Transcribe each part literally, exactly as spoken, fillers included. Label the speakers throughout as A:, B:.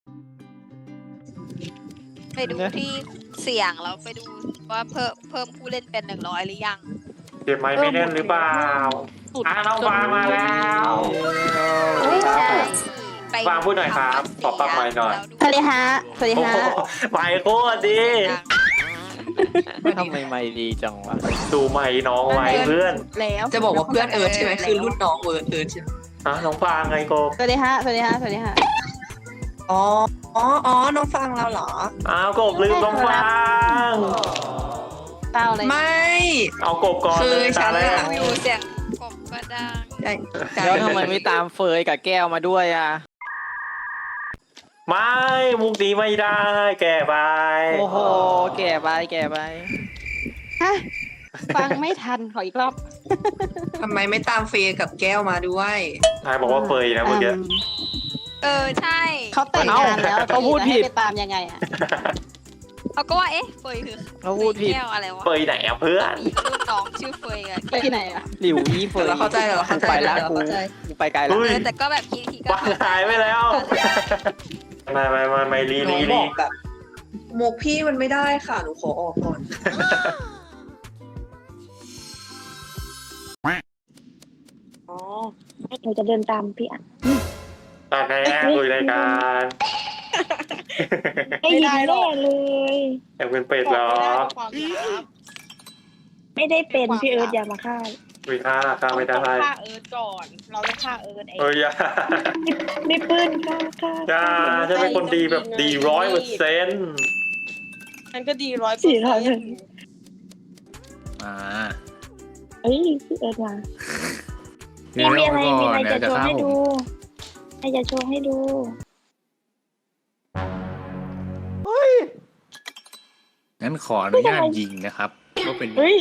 A: ไปดูที่เสียงแล้วไปดูว่าเพิ่มเพิ่มผู้เล่นเป็นหนึ่งร้อยหรือยัง
B: เก็บไม้ไม่แน่นหรือเปล่าอ่าน้องฟางมาแล้ว
A: ไม่ใช่ไป
B: ฟางพูดหน่อยครับตอบปากไม้หน่อย
C: สวัสดีฮะสวัสดี
B: โอ้
C: ฮะ
B: โหไม้โคตรดี
D: ทำไมไม่ดีจังวะ
B: ดูไม้น้องไม้เพื่อน
C: แล้ว
E: จะบอกว่าเพื่อนเอิร์ธใช่ไหมคือรุ่นน้องเอิร์ธเอิร์ธใช่ไหม
B: อ่ะน้องฟางไงโก
C: สวัสดีฮะสวัสดีฮะสวัสดีฮะ
E: อ๋ออ๋ออ๋อน้องฟังเราเหรอ
B: อ้าวกบลืมน้องฟาง
C: เต้าเลย
E: ไม่
B: เอากบก่อน
E: คือ
B: เลย
E: ฉั
B: ตาน แร
E: อะ
B: ก
A: วิวเสียงกบก็ดัง
E: ใช่ใช่
D: แล้วทำไมไม่ตามเฟยกับแก้วมาด้วยอ่ะ
B: ไม่มุกนี้ไม่ได้แก่ไป
D: โอ้โห แก่ไปแก่ไป
C: ฮะฟังไม่ทันขออีกรอบ
E: ทำไมไม่ตามเฟย์กับแก้วมาด้วย
B: นายบอกว่าเฟยนะเมื่อกี้
C: อืม
A: เออใช่
C: เขาแต่งงานแล้ว
D: เขาพูดผิด
C: จะให้ไปตามยังไงอ่ะ
A: เขาก็ว่าเอ๊ะเฟยคือ
D: เขาพูดผิด
A: แก้วอะไรวะ
B: เฟยไหนอ่ะเพื่อน
A: มีรุ่นน้องชื่อเฟยอะ
C: ไปที่ไหนอ่ะ
D: หลิวยี่เฟย
E: เราเข้าใจเราเข้าใจ
D: ไปละ
E: เรา
D: กู
E: เข้าใจ
D: กูไปไกลละ
B: เฮ้ย
A: เออแต่ก็แบบคิดทีก็
B: วางหายไปแล้วไม่ไม่ไม่ไม่รี
E: น้อ
B: รี
E: งบ
B: รี
E: อกแบบหมวกพี่มันไม่ได้ค่ะหนูขอออกก่อน
C: อ๋อหนูจะเดินตามพี่อ่ะ
B: ตอนนี้คุยรายการ
C: ไม่ได้หรอกเลย
B: อยากเป็นเป็ดเหรอ
C: ไม่ได้เป็นพี่เอิร์ธอย่ามาฆ่า
B: คุยฆ่าฆ่าไม่ได้
F: ฆ่าเอิร์ธก่อน เราต้องฆ่าเอิร์ธเอง
B: เอ้ยอย่า
C: ไม่ปืนฆ่าฆ่า
B: อย่าจะเป็นคนดีแบบดีร้อยเปอร์เซ็นต์
F: มันก็ดีร้อยเปอร์เซ็นต์
D: อ่า
C: เอ้ยพี่เอิร์ธมา
G: มีมีอะไรมีอะไรจะโชว์ให้ดู
C: ให้จะโชว์ให้ดู
G: งั้นขออนุญาตยิงนะครับก็เป็น
C: เฮ้ย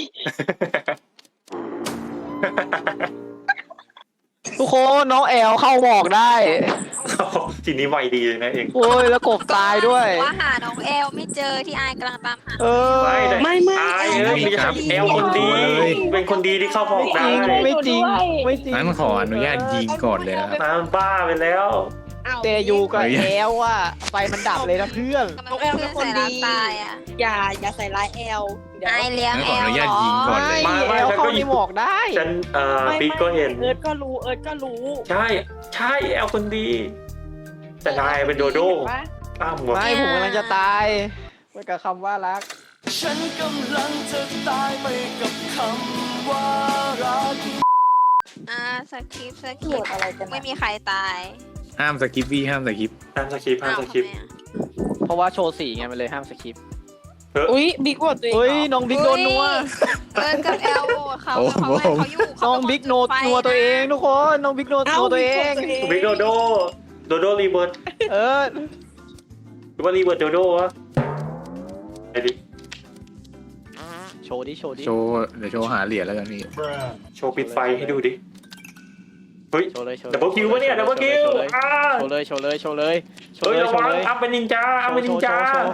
D: ทุกคนน้องแอลเข้าหมอกได้
B: ทีนี้ไวดีเลยนะเอง
D: โอ้ยแล้วกบตายด้วย
A: ว่าหาน้องแอลไม่เจอที่อายกำลังตามหา
D: เออ
B: ไม่ได้
C: ไม่ไม่
B: อายเอ้ยมีครับแอลคนดี เป็นคนดีที่เข้าพอกได้
D: ไม่จริงไม่จริง
G: งั้นขออนุญาตยิงก่อนเลยครับ
B: น้ำบ้าไปแล้ว
D: เตยูกับแอลว่ะไฟมันดับเลยนะเพื่อน
A: น้องแอลเป็นคนดีตายอ่ะ
F: อย่าอย่าใส่ร้ายแอลเดี๋ยว
A: อายเลี้ยง
G: งั้น
A: แอ
G: ขออ
A: ล
G: นุ
A: เหร
G: ญาต
A: อ
G: ยิงก่อนเลย
B: ไม่ไม่
D: แอล
B: ฉัน
D: เข้า
B: ก็
D: ในหมอกได้
B: ฉันเอ่อ
F: ไม่
B: บิ๊กก็เห็น
F: เอิร์ธก็รู้เอิร์ธก็รู้
B: ใช่ใช่แอลคนดี แต่นายเป็นโดโด้
F: เห็นปะ
B: อ้ามหมด
D: ไม่ผมกำลังจะตายไปกับคำว่ารัก
H: ฉันกำลังจะตายไปกับคำว่ารัก
A: อ่าสคริปต์สคริปต์ไม่มีใครตาย
G: ห้ามสกิปพี่ห้ามสกิป
B: ห้ามสคริปต์ห้าม
A: อ้าว
B: สคริปต์
A: ทำไมอะ
D: เพราะว่าโชว์สีไงมันเลยห้ามสคริปต์
F: อุ้ยบิ๊กบทตัวเอง
D: เฮ้ย
F: เหรอ
D: น้องบิ๊กโดนนัว
A: เอิร์ธกับแอลเขาเขาเขาอยู่เขา
D: น้องบิ๊กโนดนัวตัวเองทุกคนน้องบิ๊กโนดนัวตัวเอง
B: บิ๊กโดโดโดโดรีเบิร์ต
D: เออ
B: หรือว่ารีเบิร์ตโดโดวะไอ้ดิ
D: โชว์ดิโชว์ดิ
G: โชว์เดี๋ยวโชว์หาเหรียญแล้วกันพี่
B: โชว์ปิดไฟให้ดูดิ เฮ้ย
D: โชว์เลยโชว์
B: ดับเบิลคิวปะเนี่ยดับเบิลคิวอ่า
D: โชว์เลยโชว์เลยโชว์เลยโชว์
B: เฮ้ย
D: เลย
B: ระ
D: โช
B: วั
D: ว์
B: ง
D: เลย
B: อัพเป็นนินจาอัพเป็นนินจา
D: โชว์โชว์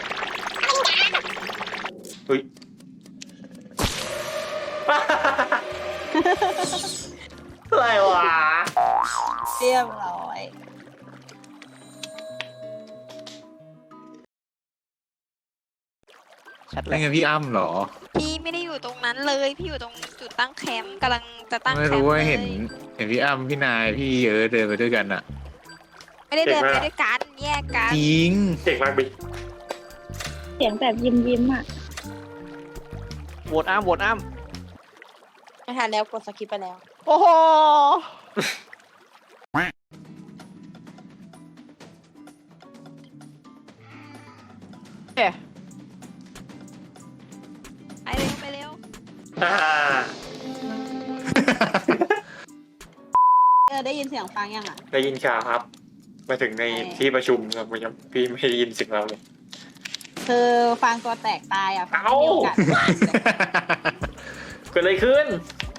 B: เฮ้ย อะไรวะ
C: เรียบร้อย
D: ชัดเล
G: นั่น
D: ย
G: ไงพี่อ้ำเหรอ
A: พี่ไม่ได้อยู่ตรงนั้นเลยพี่อยู่ตรงจุดตั้งแคมป์กำลังจะตั้ง
G: ไม่
A: แคม
G: รู้
A: ป์
G: ว่า
A: เลย
G: เห็นเห็นพี่อ้ำพี่นายพี่เอิร์ธเดินไปด้วยกันอะ
A: ไม่ได้เดินไปด้วยกันแยกกัน
G: จริง
B: เก่งมากบิ๊ก
C: เสียงแบบยิ้มยิ้มอ่ะ
D: โหวตอ้ามโหวตอ้าม
F: ไม่ทันแล้วกดสกิปไปแล้ว
D: โอ้โหเอ๊ะ
A: ไปเร็วไปเร็ว
B: อ่า
C: เออได้ยินเสียงฟังยังอ่ะ
B: ได้ยินข่าวครับ มาถึงใน
C: ใช่
B: ที่ประชุมครับผมยังพี่ไม่ได้ยินเสิ่งเราเลย
C: คือฟังตัวแตกตายอ่ะฟัง
B: เอ้า
C: ไม่มีโอกาส
B: เกิดอะไรขึ้น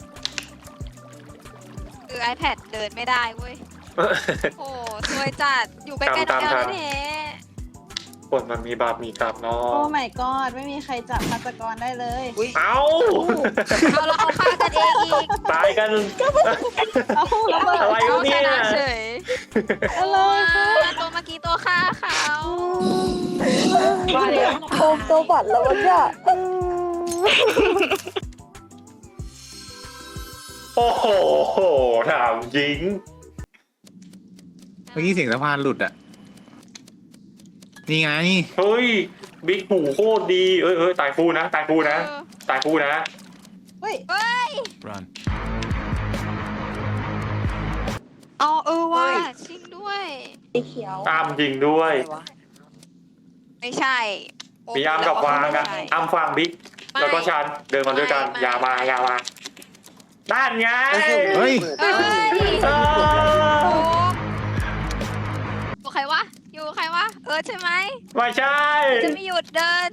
A: คือ iPad เดินไม่ได้เว้ยโอ้สวยจัดอยู่ใกล้ๆน้องแอลแท้
B: คนมันมีบาปมีกรรมเนาะ
C: โอ้ my god ไม่มีใครจับฆาตกรได้เลย
B: เอ้า
A: ๆเอาเราเอาฆ่ากันเองอีก
B: ตายกัน
C: เอ้าแล้วเบิด
B: อะไร
A: เอา
B: วะ
A: ช
B: เนี่ย
A: นะเฉย
C: อะไรคะ
A: ตัวเมื่อกี้ตัวฆ่าค่ะ
F: มาแล้ว
C: โอมตัวบัตรแล้ววะเนี่ย
B: โอ้โหถามจริง
G: เมื่อกี้เสียงสะพานหลุดอ่ะ นี่ไง
B: เฮ้ยบิ๊กหูโคตรดีเอ้ยเอ้ยตายคู่นะตายคู่นะ
A: เออ
B: ตายคู่นะ
C: เฮ้ย
A: เฮ้ย
H: Run
A: เอาเออว่ะจริงด้วย
F: สีเขียว
B: ตามจริงด้วย
A: ไม่ใช่โ
B: มีอ้ามกับวางอะ
A: ไม่ใช่
B: อ้ามฟังบิ๊ก
A: ไม่
B: แล้วก็ชันเดินมาด้วยกัน
A: ไม่
B: อย่ามาอย่ามาด้านไง
G: เฮ้ย
A: เฮ้ย
B: เออ
A: อยู่ใครวะ อยู่ใครวะ เออใช่ไหม
B: ไม่ใช่
A: จะไม่หยุดเดิน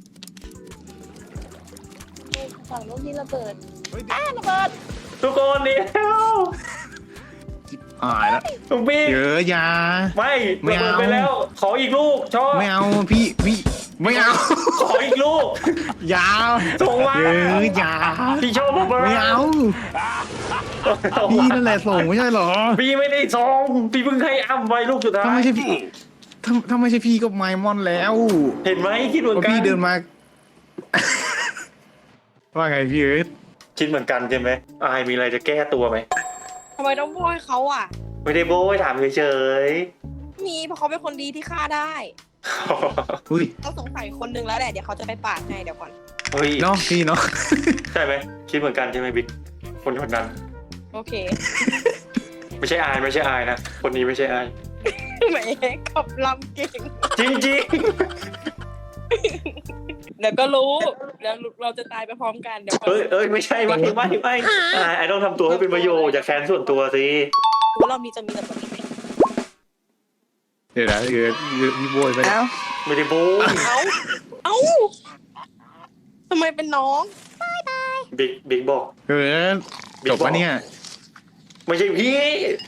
F: ฝั่งลูกที่ระเบิด
B: ทุกคนเดียว
G: อ่ายแล้ว
B: ลุงบิ๊ก
G: เยอะอยา
B: ไม่
G: ไม่
B: ระ
G: เอา
B: เบิดไปแล้ว ขออีกลูกชอบ
G: ไม่เอาพี่พี่ไม่เอา
B: ขออีกลูก
G: อยา
B: ส่งมา
G: เยอะอยา
B: พี่ชอบระเบิด
G: ไม่เอาพี่นั่นแหละส่งไม่ใช่เหรอ
B: พี่ไม่ได้ส่งพี่เพิ่งให้อ้ำไว้ลูกสุดท้า
G: ถ้าย ไม่ใช่พี่ถ้าถ้าไม่ใช่พี่ก็ไมมอนแล้ว
B: เห็นไหมคิดเหมือน
G: ว่า
B: กัน
G: พี่เดินมา ว่าไงพี่เอิร์ธ
B: คิดเหมือนกันใช่ไหมอายมีอะไรจะแก้ตัวไหม
F: ทำไมต้องโบยเขาอ่ะ
B: ไม่ได้โบ้ยถามเฉย
F: มีเพราะเขาเป็นคนดีที่ฆ่าได้
B: ๆ
G: อุ้ย
F: ต้องสงสัยคนนึงแล้วแหละ เดี๋ยวเขาจะไปปาดให้เดี๋ยวก่อน
B: เฮ้ย
G: เนาะพี่เนาะ
B: ใช่ไหมคิดเหมือนกันใช่ไหมบิ๊กคนคนนั้น
F: โอเค
B: ไม่ใช่อายไม่ใช่อายนะคนนี้ไม่ใช่อาย
F: แหมขับลำเก่ง
B: จริงจริง
F: เดี๋ยวก็รู้แล้วเราจะตายไปพร้อมกันเดี๋ยว
B: ๆเอ้ยเอ้ยไม่ใช่ไม่ไม่ไม่อายไอต้องทำตัวให้เป็นประโยชน์อย่าแค้นส่วนตัวสิ
F: ว่าเรามีจะมีแต่คนนี้ไหม
G: เดี๋ยวนะเอิร์ธพี่โบยไปแล้ว
B: ไม่ได้โบ้ย
F: เอ้า เอ้าทำไมเป็นน้อง
B: บิ๊กบิ๊กบอก
G: เอิร์ธจบปะเนี่ย
B: ไม่ใช่พี่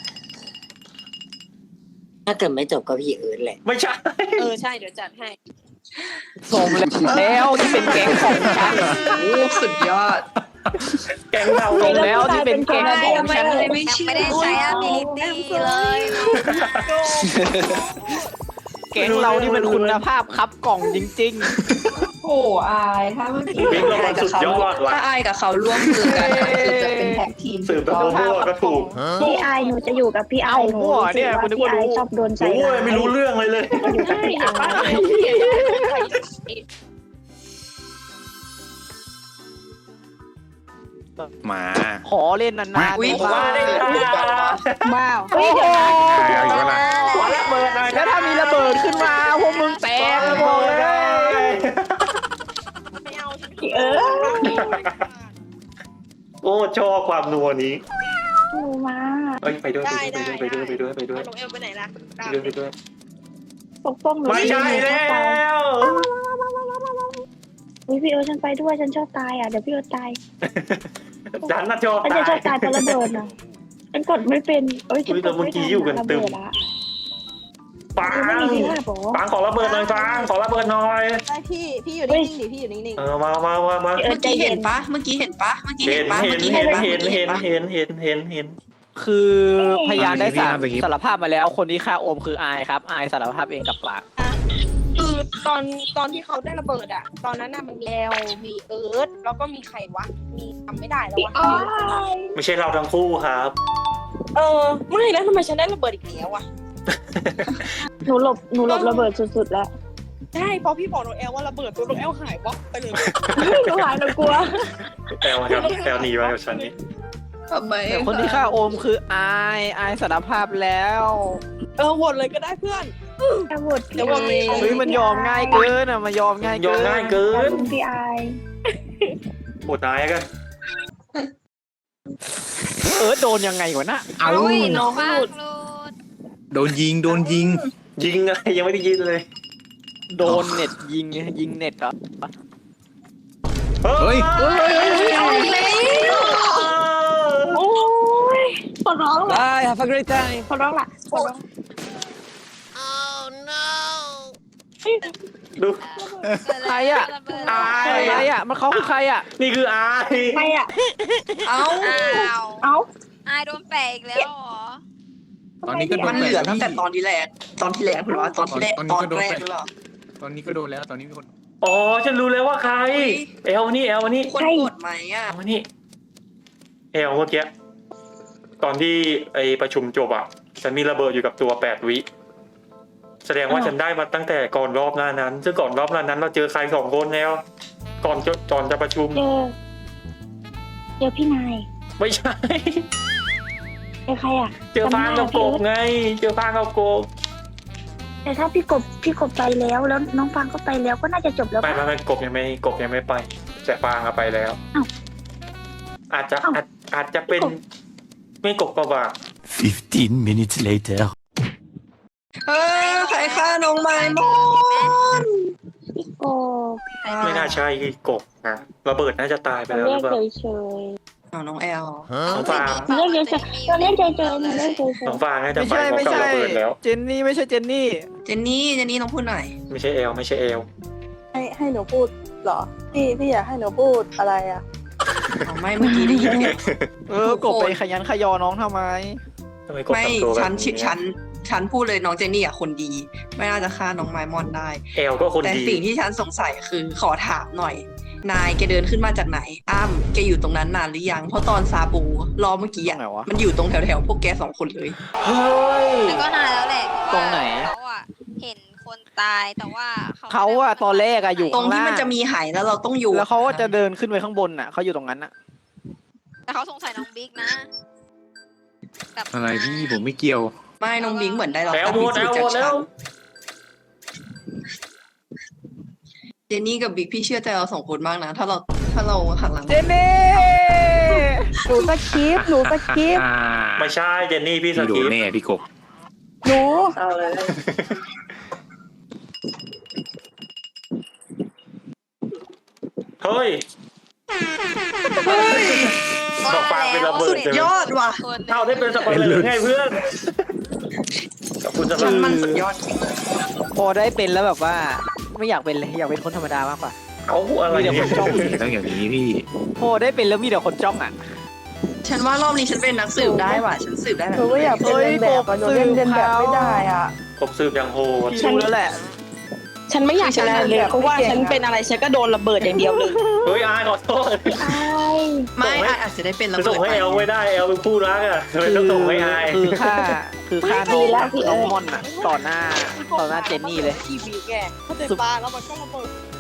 E: ถ้าเกิดไม่จบก็พี่เอิร์ธแหละ
B: ไม่ใช่
F: เออใช่เดี๋ยวจัดให้
D: ส่งแล้วที่เป็นแก๊งของฉัน
E: โอ้สุดยอด
B: แกงเรา
D: ส่งแล้วที่เป็นแก๊งของฉัน
A: ยังไม่ได้ใช้ ability เลย
D: แก๊งเราที่เป็นคุณภาพครับกล่องจริง
E: โอ้อายถ้าเมื่อกี้
B: บิ๊กเรามันสุดยอดว่ะ
E: ถ้าอายกับเขาร่วมมือกันอะคือจะเป็นแท็กทีม
B: สืบแบบโบ้ก็ถูก
C: พี่ไอหนูจะอยู่กับพี่ไอ
D: เอ้า
C: หนู
D: มั่วเนี่ยคุณนึกว่ารู้
C: พี่ไอชอบโดนใจ
B: โอ้
C: ร้าย
B: ไม่รู้เรื่องเลยเลย
C: อยู่กับพี่ไอ
G: มา
D: ๆ ขอเล่นนานๆ
E: อุ๊ย
D: บ้าง
C: ว้าว
D: โอ้โห
G: เอาอีกแล้วล่ะ
B: ขอระเบิดหน่อย
D: แล้วถ้ามีระเบิดขึ้นมาพวกมึงแตกเลยบอกเลย
F: ไม่เอาใช่ไหม
C: พี่เอิร์ธ
B: โอ้ชอบความนัวนี้
C: หนูมา
B: เอ้ยไปด้วยไปด้วยไปด้วยไปด้วยไปด้วย
F: น้องเอลไปไหนล่ะ
B: ไปด้วยไปด้วย
C: ปกป้องหนู
B: ไม่ใช่แล้ว
C: อุ๊ยพี่เอิร์ธฉันไปด้วยฉันชอบตายอ่ะเดี๋ยวพี่เอิร์ธตาย
B: ดันน่ะชอบ
C: ฉันจะชอบ
B: ตา
C: ตาย ยเพราะระเบิดอ่ะฉันกดไม่เป็นเอ้ยฉัน
B: อุ๊ย
C: ก
B: แต่
C: ด
B: เมื่อ
C: ไม่
B: กี้
C: ทัน
B: อยู่กัน
C: ระ
B: ตึ
C: เบิ
B: ม
C: ดละ
B: ปัง
C: ไม่มีที่ห้าบอ
B: ปังขอระเบิดหน่อยปังขอระเบิดหน่อย
F: ใช่พี่ พี่อยู่นิ่งๆดิพี่อยู่นิ่ง
B: เออมามามามา
C: พี่เอิ
E: เมื่
C: ร์
E: อ
C: ธใจ
E: กี้
C: เย็
E: เห็
C: น
E: นปะเมื่อกี้เห็นปะเมื่อกี้
B: เห็
E: เห็
B: น
E: นปะ
B: เห็
E: เมื่
B: น
E: อกี้
B: เห็
E: เห็
B: น
E: นปะ
B: เห็น
E: เมื่อกี้
B: เห็
E: เห็
B: น
E: นปะ
B: เห็นเห็นเห็นเห็น
D: คือพยานได้สาร
G: อ่า
D: สารภาพมาแล้ว คนที่ฆ่าโอมคืออายครับ อายสารภาพเองกับปาก
F: ๆคือตอนตอนที่เขาได้ระเบิดอ่ะ ตอนนั้นน่ะมันมีแอลมีเอิร์ธแล้วก็มีใครวะ มีจำไม่ได้แล้ววะ
B: ไม่ใช่เราทั้งคู่ครับ
F: เออไม่แล้วทำไมฉันได้ระเบิดอีกแล้วอ่ะ
C: หนูหลบหนูหลบระเบิดสุดๆแล้ว
F: ใช่พอพี่บอกน้องแอลว่าระเบิดตัวน้องแอลหายวับไปเลย
C: หนูหายหนูกลัว
B: แอลครับแอลหนีมากับฉันนี่
E: ทำไม
D: แต่คนที่ฆ่าโอมคืออาย อายสารภาพแล้ว
F: เออโหวตเลยก็ได้เพื่อน
C: ระเบิดพี่
F: เดี๋ยว
C: ไอ
F: บอกเลย
D: เฮ้ยมันยอมง่ายเกินอ่ะมันยอมง่าย
B: ย
D: เกิ
B: อม
D: น
B: ง่ายเกิ
C: ขอน บคุณพี่ไอ
B: โหดนายกัน
D: เออโดนยังไงวะน่ะ
G: เอา
A: อุ้ยน้องบ้างหลุด
G: โดนยิงโดนยิง
B: ยิงอะไรยังไม่ได้ยินเลย
D: โดนเน็ตยิงยิงเน็ตเหรอ
G: เฮ้ย
C: โอ้ยขอร้องละ
D: ได้ have a great time
C: ขอร้องละขอร้อง
B: ดู
D: ใครอะ
A: ระเบิด
B: อาย
D: ใครอ่ะ มันเขาคือใครอ่ะ
B: นี่คืออาย
C: ใครอ่ะ
E: เอ้า
A: อ้าว
C: เอ้า
A: อายโดนแปะอีกแล้วเหรอ
G: ตอนนี้ก็โด
E: มัน น
G: แป
E: เหลือ
G: ด
E: ตั้งแต่ตอนที่แรกตอนที่แรกหรือว่าตอนที่แรก
G: ตอน
E: ต
G: นี้
E: อน
G: ก็โดน
E: แร
G: แป
E: ก
G: ด
E: หรือเปล่า
G: ตอนนี้ก็โดนแล้วตอนนี้มีคน
B: อ๋อฉันรู้แล้วว่าใครเอลนี่เอลนี่
E: คนกดไหมอ่ะ
B: เอามานี่เอลเมื่อกี้ตอนที่ไอประชุมจบอ่ะฉันมีระเบิดอยู่กับตัวแปดวิแสดงว่าฉันได้มาตั้งแต่ก่อนรอบหน้านั้นซึ่งก่อนรอบหน้านั้นเราเจอใครสองคนแล้วก่อนจะก่อนจะประชุม
I: เจอเจอพี่นาย
B: ไม่ใช่
I: เจอใครอ่ะ
B: เจอฟางกับกบไง เจอฟางกับกบ
I: แต่ถ้าพี่กบพี่กบไปแล้วแล้วน้องฟางก็ไปแล้วก็น่าจะจบแล้ว
B: ไป
I: ปะ
B: มาไปกบยังไม่กบยังไม่ไปแต่ฟางอะไปแล้ว
I: อ้าว
B: อาจจะ
I: อ้าว
B: อาจอาจจะเป็นไม่กบก็ว่า
H: fifteen minutes later
E: เออใครฆ่าน้องไม้มอน
I: พี่กบ
B: ไม่น่าใช่กบนะระเบิดน่าจะตายไป
I: เรา
B: แล้วห
I: เรี
B: รื
I: ย
B: อก เปล่า
I: เฉย
E: เอาน้องแอล
B: น้องฟาง
I: ๆเราเรียกเฉยๆเราเรียกเฉยๆเราเรียกเฉย
B: น้องฟางน่าจะ
D: ไม่
B: ไป
D: ใช่
B: พร้อม
D: ไม่
B: กับ
D: ใช่
B: ระเบิดแล้ว
D: เจนนี่ไม่ใช่เจนนี่
E: เจนนี่เจนนี่น้องพูดหน่อย
B: ไม่ใช่เอลไม่ใช่เอล
C: ให้ให้หนูพูดเหรอ พี่พี่อยากให้หนูพูดอะไรอ่ะ
E: เอาไม่เมื่อกี้ได้ยินไง
D: เออกบไปขยันขยอน้องทำไม
B: ทำไมกบ
E: ไม่
B: ทำตัวแบบ
E: ฉัน
B: นี้
E: ฉันฉันพูดเลยน้องเจนนี่อ่ะคนดี ไม่น่าจะฆ่าน้องไม้มอนได้
B: เอลก็คน
E: แต่
B: ดี
E: สิ่งที่ฉันสงสัยคือขอถามหน่อย นายแกเดินขึ้นมาจากไหน อ้ำแกอยู่ตรงนั้นนานหรือยัง เพราะตอนซาบูรอเมื่อกี้
D: ตร
E: อ่ะ
D: งไหนวะ
E: มันอยู่ตรงแถวๆพวกแกสองคนเลย
B: เฮ้ย
A: แล้วก็นานแล้วแหละเพาะว่า
D: ตรงไหน
A: เขาอะเห็นคนตายแต่ว่าเขา
D: เขาอะตอนแรกอะอยู่
E: ตรงที่มันจะมีไหแล้วเราต้องอยู่
D: แล้วเขาก็จะเดินขึ้นไปข้างบนน่ะเขาอยู่ตรงนั้นน่ะ
A: แต่เขาสงสัยน้องบิ๊กนะกับ
G: อะไรพี่ผมไม่เกี่ยว
E: ไม่น้องบิงเหมือนได้รับ
B: แอล
E: การ
B: โหว
E: พิ
B: ตแอ
E: สูจ
B: ล
E: น์
B: โห
E: จาว ก
B: ตแล้
E: ฉั
B: วน
E: เจนนี่กับบิ๊กพี่เชื่อใจเราสองคนมากนะ ถ้าเราถ้าเราหันหลัง
D: เจนนี่
C: หนูสคริปต์หนูสคริปต์
G: อ่า
B: ไม่ใช่เจนนี่พี่ส
G: พี่โด
B: กี
G: นแน่พี่กบ
C: หนู
E: เอาเลย
B: เฮ้ย
A: ว่า
B: บอกฟางเป็นระเบิด
E: สุดยอดว่ะ
A: คน
B: เท่าได้เป็นสปอยเลอร์ไงเพื่อนขอบคุณสำหรั
E: ฉั
B: บ
E: นมันสุดยอด
D: พอได้เป็นแล้วแบบว่า ไม่อยากเป็นเลยอยากเป็นคนธรรมดามากกว่า
B: เอาอะไร
D: มีแต่
B: เนี่
D: ค
B: ย
D: นจ้อง
G: ต้องอย่างนี้พี่
D: พอได้เป็นแล้วมีแต่คนจ้องอ่ะ
E: ฉันว่ารอบนี้ฉันเป็นนักสืบได้ว่ะ ฉันสืบได้แบ
C: หนู
E: บ
C: ก็อยากเป็นเล่นแบบอะหนูเล่นเล่นแบบไม่ได้อ่ะ
B: ผมสืบอย่างโหด
D: พี่รู้แล้วแหละ
F: ฉันไม่อยากชนะเลยเพราะว่าฉันเป็นอะไรฉันก็โดนระเบิดอย่างเดียวเลย
B: เฮ้ยอายขอโทษ
E: ไม่อ่ะอาจจะได้เป็นระ
B: จะ
E: เบิ
B: ส่
E: ด
B: งให้
E: ไป
B: แอลไม่ได้แอลเป็นผู้รักอ่ะทำไมต้องส่งให้อาย
D: คือค่าคือค่าน้องน้องมอนอ่ะต่อหน้าต่อหน้าเจนนี่เลย
F: ทีวีแกเขาเดินปาแล้วมันก็ระเบิด